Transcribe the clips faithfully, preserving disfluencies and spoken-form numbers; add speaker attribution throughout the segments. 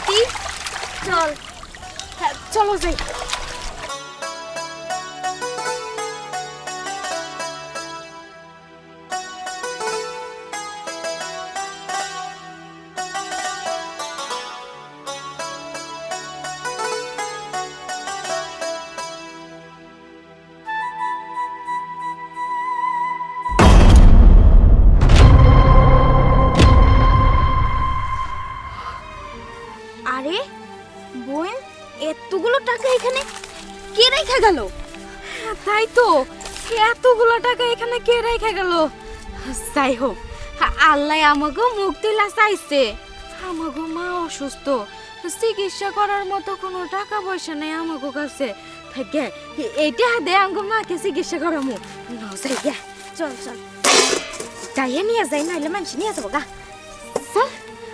Speaker 1: স্বাতী চল, হ্যাঁ চলো যাই। আরে বোন, এতগুলো টাকা এখানে কে রেখে গেল?
Speaker 2: তাই তো, এতগুলো টাকা এখানে কে রেখে গেল? যাই হোক, আল্লাহ আমাকে মুক্তিলা চাইছে। আমাকে মা অসুস্থ, চিকিৎসা করার মতো কোনো টাকা পয়সা নেই আমাকে কাছে। থাকে এইটা দে আমাকে মাকে চিকিৎসা করামু। নাও যাই গে, চল চল যাইয়ে নিয়ে যাই, নাইলে মানুষ নিয়ে যাবো গা। চল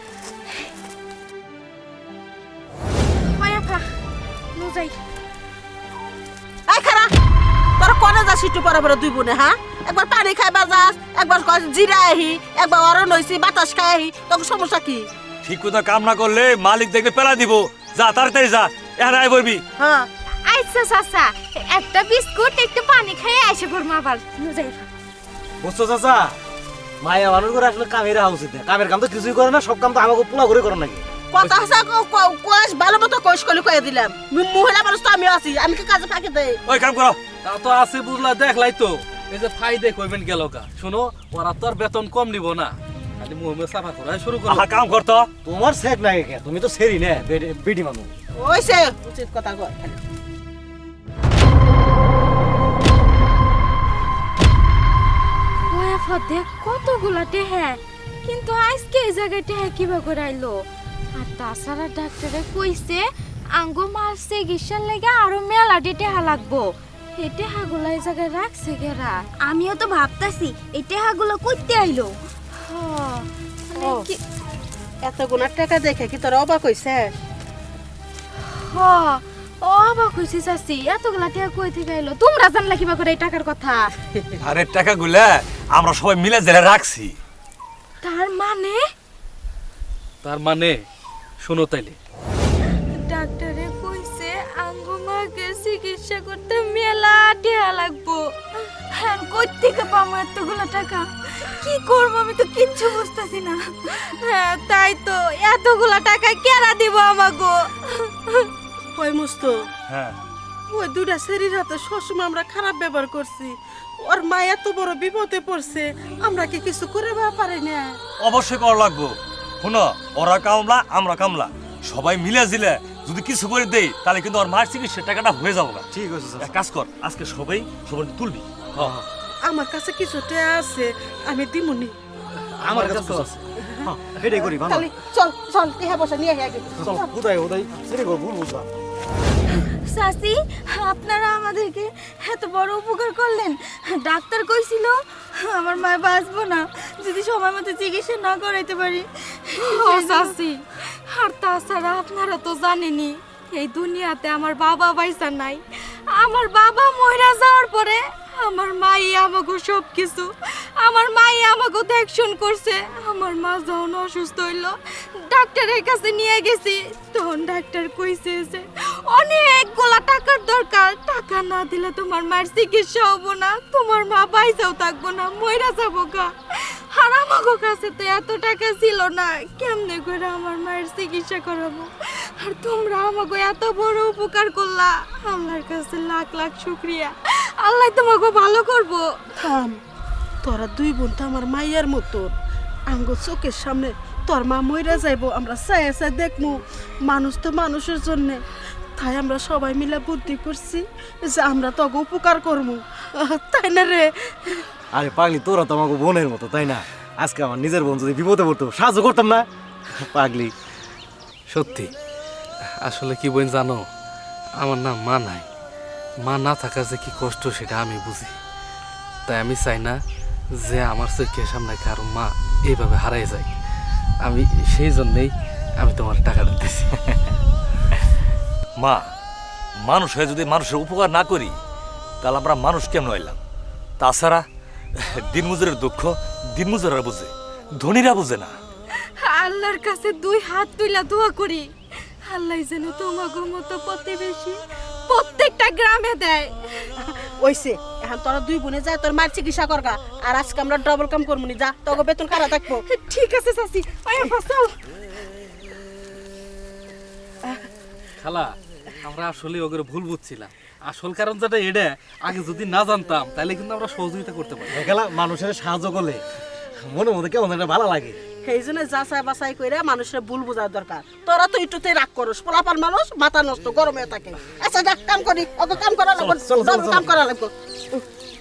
Speaker 2: মায়াফা, নো যাই।
Speaker 3: এই খারা, তোরা কোনে যাস একটু পরে পরে দুই বোনে? হ্যাঁ, একবার পানি খাইবা যাস, একবার জিরা আহি, একবার অরণ হইছি বাতাস খাই আহি, তোর সমস্যা কি?
Speaker 4: ঠিক কথা কাম না করলে মালিক দেখবে পেলা দিব। যা তাড়াতাড়ি যা, এখানে আয় বলবি।
Speaker 3: হ্যাঁ
Speaker 2: আচ্ছা চাচা, একটা বিস্কুট একটু পানি খেয়ে এসে পড়বো আবার। নো যাই।
Speaker 5: বুঝছো চাচা, মায়া মানুষ করে আসলে কামের রাখা উচিত না। কামের কাম তো কিছুই করে না, সব কাম তো আমাকে পোলা করে করে নাকি।
Speaker 3: কথা আছে কোষ ভালো মতো কোষ কলি কয়ে দিলাম। মহিলা মানুষ তো আমি আছি, আমি কি কাজে ফাঁকি দেই?
Speaker 4: ওই কাম করো।
Speaker 6: তা তো আছে বুঝলা, দেখলাই তো এই যে ফাইদে কইবেন গেল কা। শোনো, ওরা তো আর বেতন কম নিব না, খালি মুহমে সাফা করা শুরু করো।
Speaker 4: আহা, কাম করতো।
Speaker 5: তোমার সেক নাই কে, তুমি তো সেরি না, বেডি মানুষ।
Speaker 3: ওইসে উচিত কথা কয় খালি।
Speaker 2: ওয়াফা দেখ কতগুলা টেহা, কিন্তু আজকে এই জায়গায় টেহা কিবা করে আইলো? আর তাছাড়া ডাক্তারে কইছে আঙ্গো মার চিকিৎসার লাগে আরো মেলা টেহা লাগবো। এই টেহাগুলা এই জায়গায় রাখছে কেরা?
Speaker 1: আমিও তো ভাবতাছি এই টাকাগুলো কইতে আইলো।
Speaker 2: হ্যাঁ, মানে
Speaker 3: ও।
Speaker 2: কি-
Speaker 3: এত গুণার টাকা দেখে কি তোরা অবাক হইছে?
Speaker 2: হ্যাঁ, অবাক হইছি চাচি, এতগুলা টেহা কই থেকে আইলো? তোমরা জানলা কিবা করে এই টাকার কথা?
Speaker 4: আরে টাকাগুলা আমরা সবাই মিলে জেলে রাখছি।
Speaker 2: তার মানে
Speaker 6: তার মানে শোনো তাইলে,
Speaker 2: ডাক্তারে কইছে আঙ্গু মাকে চিকিৎসা করতে মেলা টাকা লাগবো। আর কই থেকে পাবো এতগুলো টাকা? কি করবো আমি তো কিচ্ছু বুঝতেছি না। হ্যাঁ তাই তো, এতগুলো টাকা কেরা দিব আমাগো?
Speaker 3: ওই মুস্ত,
Speaker 4: হ্যাঁ,
Speaker 3: ওই দুটা শরীর হাতে সবসময় আমরা খারাপ ব্যবহার করছি। ওর মা এত বড় বিপদে পড়ছে, আমরা কি কিছু করে পারি না?
Speaker 4: অবশ্যই করা লাগবো। শোনো, ওরা কামলা আমরা কামলা, সবাই মিলে জিলে যদি কিছু করে দেই তাহলে কিন্তু ওর মার চিকিৎসার টাকাটা হয়ে যাবো।
Speaker 5: ঠিক আছে
Speaker 4: এক কাজ কর, আজকে সবাই সবাই তুলবি।
Speaker 3: আমার কাছে কিছু টাকা আছে, আমি দিমুনি।
Speaker 5: আমার কাছে তো আছে। হ্যাঁ, এটাই করি ভালো।
Speaker 3: খালি চল চল টিহা বসে নিয়ে আগে।
Speaker 5: চল, উদয় উদয় সেরি গো ভুল বুঝলাম।
Speaker 1: চাচি, আপনারা আমাদেরকে এত বড় উপকার করলেন। ডাক্তার কইছিল আমার মা বাঁচবো না যদি সময় মতো চিকিৎসা না করাইতে পারি।
Speaker 2: ও চাচি, আর তাছাড়া আপনারা তো জানেনই এই দুনিয়াতে আমার বাবা বাইসা নাই। আমার বাবা মইরা যাওয়ার পরে আমার মাই আমাকে সব কিছু, আমার মাই আমাকে দেখশুন করছে। আমার মা যখন অসুস্থ হইল ডাক্তারের কাছে নিয়ে গেছি, তখন ডাক্তার কইছে যে অনেকগুলা টাকার দরকার, টাকা না দিলে তোমার মায়ের চিকিৎসা হবো না, তোমার মা বাইসাও থাকবো না, মইরা যাবো গা। আর আমাকে কাছে তো এত টাকা ছিল না, কেমনে করে আমার মায়ের চিকিৎসা করাবো? আর তোমরা আমাকে এত বড় উপকার করলা, আল্লাহর কাছে লাখ লাখ শুকরিয়া। আল্লাহ তোমাকে ভালো করবো।
Speaker 3: থাম, তোরা দুই বোন তো আমার মাইয়ার মতো। আঙ্গো চোখের সামনে তোর মা মইরা যাইবো, আমরা চাই চাই দেখমু। মানুষ তো মানুষের জন্য, তাই আমরা সবাই মিলে বুদ্ধি করছি যে আমরা তো উপকার করবো, তাই না রে?
Speaker 5: আরে পাগলি, তোরা তো আমাকে বোনের মতো, তাই না? আজকে আমার নিজের বোন যদি বিপদে পড়তো সাহায্য করতাম না? পাগলি,
Speaker 6: সত্যি আসলে কি বোন জানো, আমার না মা নাই। মা না থাকা যে কি কষ্ট সেটা আমি বুঝি। তাই আমি চাই না যে আমার চোখের সামনে কারো মা এইভাবে হারাই যায়। আমি সেই জন্যেই আমি তোমার টাকাটা দিতেছি।
Speaker 4: মা, মানুষ হয়ে যদি মানুষের উপকার না করি তাহলে আমরা মানুষ কেমন হইলাম? তাছাড়া দিনমজুরের দুঃখ দিনমজুররা বুঝে, ধনীরা বুঝে না।
Speaker 2: আল্লাহর কাছে দুই হাত তুইলা দোয়া করি আল্লাহ যেন তোমাকে মতো প্রতিবেশী প্রত্যেকটা গ্রামে দেয়।
Speaker 3: ওইছে এখন তোরা দুই বোনে যা তোর মার চিকিৎসা করগা, আর আজকে আমরা ডবল কাম করবো নি, যা তোকে বেতন কারা থাকবো।
Speaker 2: ঠিক আছে চাচি, ওই চল।
Speaker 6: খালা আমরা আসলে ওদের ভুল বুঝছিলাম, আসল কারণ যেটা এটা আগে যদি না জানতাম তাহলে কিন্তু আমরা সহযোগিতা করতে পারি।
Speaker 5: দেখালা মানুষের সাহায্য করলে মনে মধ্যে কেমন একটা ভালো লাগে।
Speaker 3: সেই জন্য যাচাই বাছাই করে মানুষের ভুল বোঝার দরকার। তোরা তো একটুতে রাগ করস, পোলাপান মানুষ মাথা নষ্ট গরমে থাকে। আচ্ছা যা কাম করি, ওকে কাম করা লাগবে,
Speaker 5: চলো, চলো, চলো,
Speaker 3: কাম
Speaker 5: চলো।
Speaker 3: করা লাগবে।